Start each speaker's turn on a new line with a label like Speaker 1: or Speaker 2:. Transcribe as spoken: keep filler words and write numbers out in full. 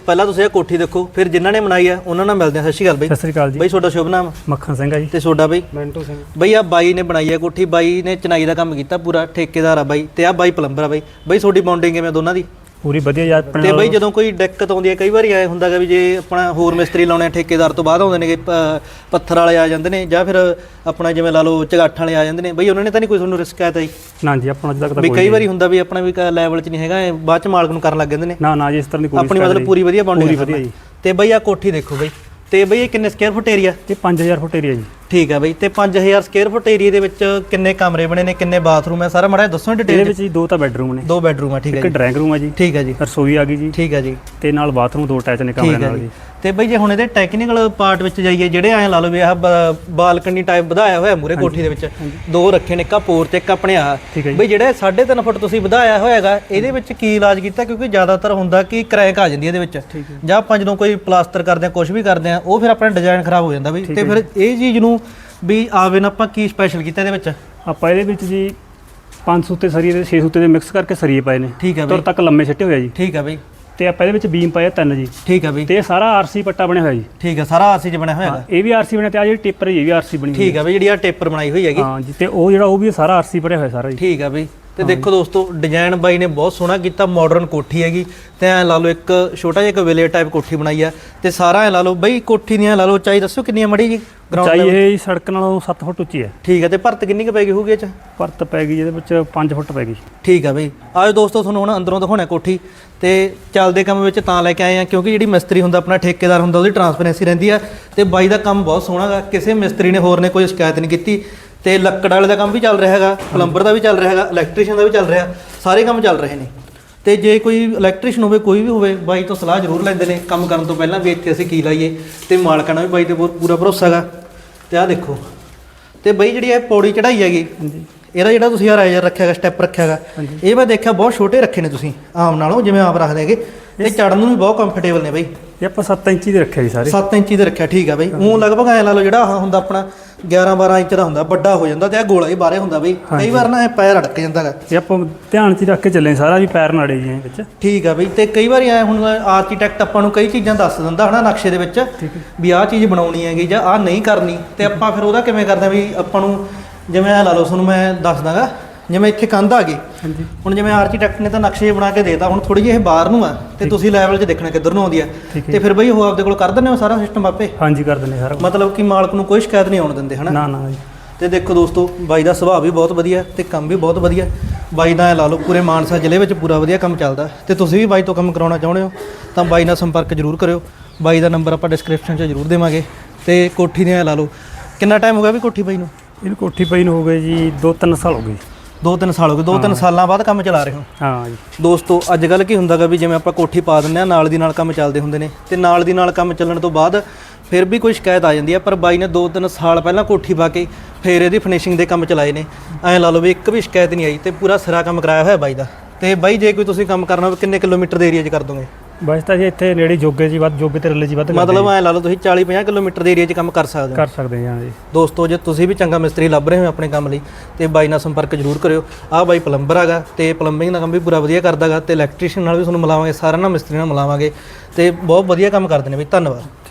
Speaker 1: ਪਹਿਲਾਂ ਤੁਸੀਂ ਇਹ ਕੋਠੀ ਦੇਖੋ, ਫਿਰ ਜਿਨ੍ਹਾਂ ਨੇ ਬਣਾਈ ਆ ਉਹਨਾਂ ਨਾਲ ਮਿਲਦੇ ਆ। ਸਤਿ ਸ਼੍ਰੀ ਅਕਾਲ ਬਾਈ।
Speaker 2: ਸਤਿ ਸ਼੍ਰੀ ਅਕਾਲ ਜੀ
Speaker 1: ਬਾਈ ਤੁਹਾਡਾ ਸ਼ੁਭ ਨਾਮ?
Speaker 2: ਮੱਖਣ ਸਿੰਘ ਆ ਜੀ।
Speaker 1: ਤੇ ਤੁਹਾਡਾ ਬਾਈ?
Speaker 2: ਮੈਂਟੂ ਸਿੰਘ।
Speaker 1: ਬਾਈ ਆ ਬਾਈ ਨੇ ਬਣਾਈ ਆ ਕੋਠੀ, ਬਾਈ ਨੇ ਚਨਾਈ ਦਾ ਕੰਮ ਕੀਤਾ ਪੂਰਾ, ਠੇਕੇਦਾਰ ਆ ਬਾਈ, ਤੇ ਆ ਬਾਈ ਪਲੰਬਰ ਆ ਬਾਈ। ਬਾਈ ਤੁਹਾਡੀ ਬੌਂਡਿੰਗ ਕਿਵੇਂ ਦੋਨਾਂ ਦੀ?
Speaker 2: ਪੂਰੀ ਵਧੀਆ ਯਾਰ।
Speaker 1: ਤੇ ਬਾਈ ਜਦੋਂ ਕੋਈ ਦਿੱਕਤ ਆਉਂਦੀ ਹੈ, ਕਈ ਵਾਰੀ ਐ ਹੁੰਦਾ ਗਾ ਵੀ ਜੇ ਆਪਣਾ ਹੋਰ ਮਿਸਤਰੀ ਲਾਉਣੇ ਠੇਕੇਦਾਰ ਤੋਂ ਬਾਅਦ ਆਉਂਦੇ ਨੇ, ਪੱਥਰ ਵਾਲੇ ਆ ਜਾਂਦੇ ਨੇ ਜਾਂ ਫਿਰ ਆਪਣਾ ਜਿਵੇਂ ਲਾ ਲਓ ਝਗਾਠ ਵਾਲੇ ਆ ਜਾਂਦੇ ਨੇ, ਬਾਈ ਉਹਨਾਂ ਨੇ ਤਾਂ ਨਹੀਂ ਕੋਈ ਤੁਹਾਨੂੰ ਰਿਸਕ ਆਇਆ ਤਾਂ ਜੀ?
Speaker 2: ਨਾ ਜੀ, ਆਪਣਾ ਅੱਜ ਤੱਕ ਤਾਂ
Speaker 1: ਵੀ ਕਈ ਵਾਰੀ ਹੁੰਦਾ ਵੀ ਆਪਣਾ ਵੀ ਲੈਵਲ 'ਚ ਨਹੀਂ ਹੈਗਾ, ਬਾਅਦ 'ਚ ਮਾਲਕ ਨੂੰ ਕਰਨ ਲੱਗ ਜਾਂਦੇ ਨੇ।
Speaker 2: ਨਾ ਨਾ ਜੀ, ਇਸ ਤਰ੍ਹਾਂ ਦੀ ਕੋਈ
Speaker 1: ਆਪਣੀ ਮਤਲਬ ਪੂਰੀ ਵਧੀਆ ਬੌਂਡਿੰਗ
Speaker 2: ਪੂਰੀ ਵਧੀਆ ਜੀ।
Speaker 1: ਤੇ ਬਾਈ ਆ ਕੋਠੀ ਦੇਖੋ ਬਾਈ, ਤੇ ਬਾਈ ਇਹ ਕਿੰਨੇ ਸਕੁਅਰ ਫੁੱਟ ਏਰੀਆ?
Speaker 2: ਇਹ ਪੰਜ ਹਜ਼ਾਰ ਫੁੱਟ ਏਰੀਆ ਜੀ।
Speaker 1: ਠੀਕ ਆ ਬਾਈ। ਤੇ ਪੰਜ ਹਜ਼ਾਰ ਸਕੁਅਰ ਫੁੱਟ ਏਰੀਆ ਦੇ ਵਿੱਚ ਕਿੰਨੇ ਕਮਰੇ ਬਣੇ ਨੇ, ਕਿੰਨੇ ਬਾਥਰੂਮ ਹੈ, ਸਾਰਾ ਮਾੜਾ ਦੱਸੋ ਡਿਟੇਲ।
Speaker 2: ਇਹਦੇ ਵਿੱਚ ਜੀ ਦੋ ਤਾਂ ਬੈਡਰੂਮ ਨੇ।
Speaker 1: ਦੋ ਬੈਡਰੂਮ ਆ, ਠੀਕ ਹੈ
Speaker 2: ਇੱਕ
Speaker 1: ਜੀ।
Speaker 2: ਡਰਾਇੰਗ ਰੂਮ ਆ ਜੀ।
Speaker 1: ਠੀਕ ਹੈ ਜੀ।
Speaker 2: ਰਸੋਈ ਆ ਗਈ ਜੀ।
Speaker 1: ਠੀਕ ਹੈ ਜੀ।
Speaker 2: ਤੇ ਨਾਲ ਬਾਥਰੂਮ ਦੋ ਅਟੈਚ ਨੇ ਕਮਰੇ ਨਾਲ ਜੀ।
Speaker 1: ਤੇ ਬਾਈ ਜੇ ਹੁਣ ਇਹਦੇ ਟੈਕਨੀਕਲ ਪਾਰਟ ਵਿੱਚ ਜਾਈਏ, ਜਿਹੜੇ ਐਂ ਲਾ ਲਓ ਵੀ ਆਹ ਬਾਲਕਨੀ ਟਾਈਪ ਵਧਾਇਆ ਹੋਇਆ ਮੂਰੇ ਕੋਠੀ ਦੇ ਵਿੱਚ, ਦੋ ਰੱਖੇ ਨੇ, ਇੱਕ ਪੋਰ ਤੇ ਇੱਕ ਆਪਣੇ ਆ ਬਈ ਜਿਹੜੇ ਸਾਢੇ ਤਿੰਨ ਫੁੱਟ ਤੁਸੀਂ ਵਧਾਇਆ ਹੋਇਆਗਾ, ਇਹਦੇ ਵਿੱਚ ਕੀ ਇਲਾਜ ਕੀਤਾ? ਕਿਉਂਕਿ ਜ਼ਿਆਦਾਤਰ ਹੁੰਦਾ ਕਿ ਕਰੈਕ ਆ ਜਾਂਦੀ ਇਹਦੇ ਵਿੱਚ, ਜਾਂ ਆਪਾਂ ਜਦੋਂ ਕੋਈ ਪਲਾਸਟਰ ਕਰਦੇ ਆ, ਕੁਝ ਵੀ ਕਰਦੇ ਆ, ਉਹ ਫਿਰ ਆਪਣਾ ਡਿਜ਼ਾਈਨ ਖਰਾਬ ਹੋ ਜਾਂਦਾ ਬਈ। ਤੇ ਫਿਰ ਇਹ ਚੀਜ਼ ਨੂੰ ਵੀ ਆਵੇ ਨਾ, ਆਪਾਂ ਕੀ ਸਪੈਸ਼ਲ ਕੀਤਾ ਇਹਦੇ ਵਿੱਚ?
Speaker 2: ਆਪਾਂ ਇਹਦੇ ਵਿੱਚ ਜੀ ਪੰਜ ਸੂਤੇ ਸਰੀਏ ਦੇ ਛੇ ਸੂਤੇ ਦੇ ਮਿਕਸ ਕਰਕੇ ਸਰੀਏ ਪਾਏ ਨੇ।
Speaker 1: ਠੀਕ ਹੈ
Speaker 2: ਤੁਰ ਤੱਕ ਲੰਮੇ ਛੱਟੇ ਹੋਇਆ ਜੀ।
Speaker 1: ਠੀਕ ਹੈ ਬਈ।
Speaker 2: ਤੇ ਆਪਾਂ ਇਹਦੇ ਵਿੱਚ ਬੀਮ ਪਾਇਆ ਤਿੰਨ ਜੀ।
Speaker 1: ਠੀਕ ਹੈ ਬਈ।
Speaker 2: ਤੇ ਇਹ ਸਾਰਾ ਆਰਸੀ ਪੱਟਾ ਬਣਿਆ ਹੋਇਆ ਜੀ।
Speaker 1: ਠੀਕ ਹੈ, ਸਾਰਾ ਆਰਸੀ 'ਚ ਬਣਿਆ ਹੋਇਆ ਹੈਗਾ।
Speaker 2: ਇਹ ਵੀ ਆਰਸੀ ਬਣਿਆ ਤੇ ਆ ਜਿਹੜੀ ਟੇਪਰ ਇਹ ਵੀ ਆਰਸੀ ਬਣੀ ਹੋਈ।
Speaker 1: ਠੀਕ ਹੈ ਬਈ, ਜਿਹੜੀ ਆ ਟੇਪਰ ਬਣਾਈ ਹੋਈ ਹੈਗੀ।
Speaker 2: ਹਾਂ ਜੀ, ਤੇ ਉਹ ਜਿਹੜਾ ਉਹ ਵੀ ਸਾਰਾ ਆਰਸੀ ਭਰਿਆ ਹੋਇਆ ਸਾਰਾ ਜੀ।
Speaker 1: ਠੀਕ ਹੈ ਬਈ। ਤੇ ਦੇਖੋ ਦੋਸਤੋ, ਡਿਜ਼ਾਈਨ ਬਾਈ ਨੇ ਬਹੁਤ ਸੋਹਣਾ ਕੀਤਾ, ਮਾਡਰਨ ਕੋਠੀ ਹੈਗੀ। ਤੇ ਐ ਲਾ ਲਓ ਇੱਕ ਛੋਟਾ ਜਿਹਾ ਇੱਕ ਵਿਲੇਜ ਟਾਈਪ ਕੋਠੀ ਬਣਾਈ ਆ। ਤੇ ਸਾਰਾ ਐ ਲਾ ਲਓ ਬਈ, ਕੋਠੀ ਦੀਆਂ ਐ ਲਾ ਲਓ ਉਚਾਈ ਦੱਸੋ ਕਿੰਨੀ ਆ ਮੜੀ ਜੀ?
Speaker 2: ਉਚਾਈ ਇਹ ਸੜਕ ਨਾਲੋਂ ਸੱਤ ਫੁੱਟ ਉੱਚੀ ਹੈ।
Speaker 1: ਠੀਕ ਹੈ। ਤੇ ਭਰਤ ਕਿੰਨੀ ਕੁ ਪੈ ਗਈ ਹੋਊਗੀ ਇਹ 'ਚ?
Speaker 2: ਭਰਤ ਪੈ ਗਈ ਇਹਦੇ ਵਿੱਚ ਪੰਜ ਫੁੱਟ ਪੈ ਗਈ।
Speaker 1: ਠੀਕ ਹੈ ਬਈ। ਆਜੋ ਦੋਸਤੋ, ਤੁਹਾਨੂੰ ਹੁਣ ਅੰਦਰੋਂ ਦਿਖਾਉਣਾ ਕੋਠੀ। ਤੇ ਚੱਲਦੇ ਕੰਮ ਵਿੱਚ ਤਾਂ ਲੈ ਕੇ ਆਏ ਆ ਕਿਉਂਕਿ ਜਿਹੜੀ ਮਿਸਤਰੀ ਹੁੰਦਾ, ਆਪਣਾ ਠੇਕੇਦਾਰ ਹੁੰਦਾ, ਉਹਦੀ ਟਰਾਂਸਪੇਰੈਂਸੀ ਰਹਿੰਦੀ ਆ। ਤੇ ਬਾਈ ਦਾ ਕੰਮ ਬਹੁਤ ਸੋਹਣਾ ਗਾ, ਕਿਸੇ ਮਿਸਤਰੀ ਨੇ ਹੋਰ ਨੇ ਕੋਈ ਸ਼ਿਕਾਇਤ ਨਹੀਂ ਕੀਤੀ। ਤੇ ਲੱਕੜ ਵਾਲੇ ਦਾ ਕੰਮ ਵੀ ਚੱਲ ਰਿਹਾ ਹੈਗਾ, ਪਲੰਬਰ ਦਾ ਵੀ ਚੱਲ ਰਿਹਾ ਹੈਗਾ, ਇਲੈਕਟ੍ਰੀਸ਼ੀਅਨ ਦਾ ਵੀ ਚੱਲ ਰਿਹਾ, ਸਾਰੇ ਕੰਮ ਚੱਲ ਰਹੇ ਨੇ। ਤੇ ਜੇ ਕੋਈ ਇਲੈਕਟ੍ਰੀਸ਼ੀਅਨ ਹੋਵੇ, ਕੋਈ ਵੀ ਹੋਵੇ, ਬਾਈ ਤੋਂ ਸਲਾਹ ਜ਼ਰੂਰ ਲੈਂਦੇ ਨੇ ਕੰਮ ਕਰਨ ਤੋਂ ਪਹਿਲਾਂ ਵੀ ਇੱਥੇ ਅਸੀਂ ਕੀ ਲਾਈਏ। ਤੇ ਮਾਲਕਾਂ ਨਾਲ ਵੀ ਬਾਈ ਤੇ ਪੂਰਾ ਭਰੋਸਾ ਹੈਗਾ। ਤੇ ਆਹ ਦੇਖੋ, ਤੇ ਬਾਈ ਜਿਹੜੀ ਇਹ ਪੌੜੀ ਚੜਾਈ ਹੈਗੀ, ਇਹਦਾ ਜਿਹੜਾ ਤੁਸੀਂ ਆ ਰਾਈਜ਼ਰ ਰੱਖਿਆ ਹੈਗਾ, ਸਟੈਪ ਰੱਖਿਆ ਹੈਗਾ, ਇਹ ਮੈਂ ਦੇਖਿਆ ਬਹੁਤ ਛੋਟੇ ਰੱਖੇ ਨੇ ਤੁਸੀਂ ਆਮ ਨਾਲੋਂ, ਜਿਵੇਂ ਆਪ ਰੱਖਦੇ ਹੈਗੇ। ਤੇ ਚੜਨ ਨੂੰ ਵੀ ਬਹੁਤ ਕੰਫਰਟੇਬਲ ਨੇ ਬਾਈ।
Speaker 2: ਇਹ ਆਪਾਂ ਸੱਤ ਇੰਚੀ ਦੇ ਰੱਖਿਆ ਜੀ ਸਾਰੇ। ਸੱਤ
Speaker 1: ਇੰਚੀ ਦੇ ਰੱਖਿਆ। ਠੀਕ ਆ ਬਾਈ। ਉਹ ਲਗਭਗ ਐ ਲਾ ਲਓ ਜਿਹੜਾ ਆਹ ਹੁੰਦਾ ਆਪਣਾ ਗਿਆਰਾਂ ਬਾਰਾਂ ਇੰਚ ਦਾ ਹੁੰਦਾ, ਵੱਡਾ ਹੋ ਜਾਂਦਾ। ਤੇ ਇਹ ਗੋਲਾ ਹੀ ਬਾਹਰੇ ਹੁੰਦਾ ਬਈ, ਕਈ ਵਾਰ ਨਾ ਇਹ ਪੈਰ ਅੜਕ ਜਾਂਦਾ ਹੈਗਾ।
Speaker 2: ਇਹ ਆਪਾਂ ਧਿਆਨ 'ਚ ਹੀ ਰੱਖ ਕੇ ਚੱਲੇ ਸਾਰਾ ਵੀ ਪੈਰ ਨਾੜੇ ਜੀ ਵਿੱਚ।
Speaker 1: ਠੀਕ ਆ ਬਈ। ਤੇ ਕਈ ਵਾਰੀ ਐ ਹੁਣ ਆਰਕੀਟੈਕਟ ਆਪਾਂ ਨੂੰ ਕਈ ਚੀਜ਼ਾਂ ਦੱਸ ਦਿੰਦਾ ਹਨਾ ਨਕਸ਼ੇ ਦੇ ਵਿੱਚ, ਵੀ ਆਹ ਚੀਜ਼ ਬਣਾਉਣੀ ਹੈਗੀ ਜਾਂ ਆਹ ਨਹੀਂ ਕਰਨੀ। ਤੇ ਆਪਾਂ ਫਿਰ ਉਹਦਾ ਕਿਵੇਂ ਕਰਦੇ ਵੀ ਆਪਾਂ ਨੂੰ, ਜਿਵੇਂ ਐ ਲਾ ਲਓ ਤੁਹਾਨੂੰ ਮੈਂ ਦੱਸ ਦਾਂਗਾ, ਜਿਵੇਂ ਇੱਥੇ ਕੰਧ ਆ ਗਈ, ਹੁਣ ਜਿਵੇਂ ਆਰਕੀਟੈਕਟ ਨੇ ਤਾਂ ਨਕਸ਼ੇ ਬਣਾ ਕੇ ਦੇਤਾ, ਹੁਣ ਥੋੜੀ ਜਿਹੀ ਇਹ ਬਾਹਰ ਨੂੰ ਆ ਤੇ ਤੁਸੀਂ ਲੈਵਲ 'ਚ ਦੇਖਣਾ ਕਿੱਧਰ ਨੂੰ ਆਉਂਦੀ ਆ। ਤੇ ਫਿਰ ਬਈ ਉਹ ਆਪਦੇ ਕੋਲ ਕਰ ਦਿੰਦੇ ਹੋ ਸਾਰਾ ਸਿਸਟਮ ਆਪੇ?
Speaker 2: ਹਾਂਜੀ, ਕਰ ਦਿੰਦੇ ਸਾਰਾ।
Speaker 1: ਮਤਲਬ ਕਿ ਮਾਲਕ ਨੂੰ ਕੋਈ ਸ਼ਿਕਾਇਤ ਨਹੀਂ ਆਉਣ ਦਿੰਦੇ ਹਨਾ? ਨਾ ਨਾ ਜੀ। ਤੇ ਦੇਖੋ ਦੋਸਤੋ, ਬਾਈ ਦਾ ਸੁਭਾਅ ਵੀ ਬਹੁਤ ਵਧੀਆ ਤੇ ਕੰਮ ਵੀ ਬਹੁਤ ਵਧੀਆ। ਬਾਈ ਦਾ ਐ ਲਾ ਲਓ ਪੂਰੇ ਮਾਨਸਾ ਜ਼ਿਲ੍ਹੇ ਵਿੱਚ ਪੂਰਾ ਵਧੀਆ ਕੰਮ ਚੱਲਦਾ। ਤੇ ਤੁਸੀਂ ਵੀ ਬਾਈ ਤੋਂ ਕੰਮ ਕਰਾਉਣਾ ਚਾਹੁੰਦੇ ਹੋ ਤਾਂ ਬਾਈ ਨਾਲ ਸੰਪਰਕ ਜ਼ਰੂਰ ਕਰਿਓ। ਬਾਈ ਦਾ ਨੰਬਰ ਆਪਾਂ ਡਿਸਕ੍ਰਿਪਸ਼ਨ 'ਚ ਜ਼ਰੂਰ ਦੇਵਾਂਗੇ। ਤੇ ਕੋਠੀ ਦੇ ਐ ਲਾ ਲਓ, ਕਿੰਨਾ ਟਾਈਮ ਹੋ ਗਿਆ ਵੀ ਕੋਠੀ ਬਾਈ ਨੂੰ?
Speaker 2: ਇਹਨੂੰ ਕੋਠੀ ਪਈ ਨੂੰ ਹੋ ਗਏ ਜੀ ਦੋ ਤਿੰਨ ਸਾਲ ਹੋ ਗਏ।
Speaker 1: ਦੋ ਤਿੰਨ ਸਾਲ ਹੋ ਗਏ। ਦੋ ਤਿੰਨ ਸਾਲਾਂ ਬਾਅਦ ਕੰਮ ਚਲਾ ਰਹੇ ਹੋ?
Speaker 2: ਹਾਂ ਜੀ।
Speaker 1: ਦੋਸਤੋ, ਅੱਜ ਕੱਲ੍ਹ ਕੀ ਹੁੰਦਾ ਗਾ ਵੀ ਜਿਵੇਂ ਆਪਾਂ ਕੋਠੀ ਪਾ ਦਿੰਦੇ ਹਾਂ, ਨਾਲ ਦੀ ਨਾਲ ਕੰਮ ਚੱਲਦੇ ਹੁੰਦੇ ਨੇ। ਤੇ ਨਾਲ ਦੀ ਨਾਲ ਕੰਮ ਚੱਲਣ ਤੋਂ ਬਾਅਦ ਫਿਰ ਵੀ ਕੋਈ ਸ਼ਿਕਾਇਤ ਆ ਜਾਂਦੀ ਆ। ਪਰ ਬਾਈ ਨੇ ਦੋ ਤਿੰਨ ਸਾਲ ਪਹਿਲਾਂ ਕੋਠੀ ਪਾ ਕੇ ਫਿਰ ਇਹਦੀ ਫਿਨਿਸ਼ਿੰਗ ਦੇ ਕੰਮ ਚਲਾਏ ਨੇ। ਐਂ ਲਾ ਲਓ ਵੀ ਇੱਕ ਵੀ ਸ਼ਿਕਾਇਤ ਨਹੀਂ ਆਈ ਤੇ ਪੂਰਾ ਸਿਰਾ ਕੰਮ ਕਰਾਇਆ ਹੋਇਆ ਬਾਈ ਦਾ। ਤੇ ਬਾਈ ਜੇ ਕੋਈ ਤੁਸੀਂ ਕੰਮ ਕਰਨਾ ਹੋਵੇ, ਕਿੰਨੇ ਕਿਲੋਮੀਟਰ ਦੇ ਏਰੀਆ 'ਚ ਕਰ ਦੋਗੇ?
Speaker 2: ਬਸ ਤਾਂ ਜੀ ਇੱਥੇ ਨੇੜੇ ਜੋਗੇ ਜੀ ਵੱਧ, ਜੋਗੇ ਤੇ ਰੱਲੇ ਜੀ ਵੱਧ।
Speaker 1: ਮਤਲਬ ਐਂ ਲਾ ਲਓ ਤੁਸੀਂ ਚਾਲੀ ਪੰਜਾਹ ਕਿਲੋਮੀਟਰ ਦੇ ਏਰੀਆ 'ਚ ਕੰਮ ਕਰ ਸਕਦੇ ਹੋ?
Speaker 2: ਕਰ ਸਕਦੇ ਹਾਂ ਜੀ। ਦੋਸਤੋ,
Speaker 1: ਜੇ ਤੁਸੀਂ ਵੀ ਚੰਗਾ ਮਿਸਤਰੀ ਲੱਭ ਰਹੇ ਹੋ ਆਪਣੇ ਕੰਮ ਲਈ ਤੇ ਬਾਈ ਨਾਲ ਸੰਪਰਕ ਜ਼ਰੂਰ ਕਰਿਓ। ਆਹ ਬਾਈ ਪਲੰਬਰ ਹੈਗਾ ਤੇ ਪਲੰਬਿੰਗ ਦਾ ਕੰਮ ਵੀ ਪੂਰਾ ਵਧੀਆ ਕਰਦਾ ਹੈਗਾ। ਤੇ ਇਲੈਕਟ੍ਰੀਸ਼ੀਅਨ ਨਾਲ ਵੀ ਤੁਹਾਨੂੰ ਮਿਲਾਵਾਂਗੇ, ਸਾਰਿਆਂ ਨਾਲ ਮਿਸਤਰੀ ਨਾਲ ਮਿਲਾਵਾਂਗੇ। ਤੇ ਬਹੁਤ ਵਧੀਆ ਕੰਮ ਕਰਦੇ ਨੇ ਬਈ। ਧੰਨਵਾਦ।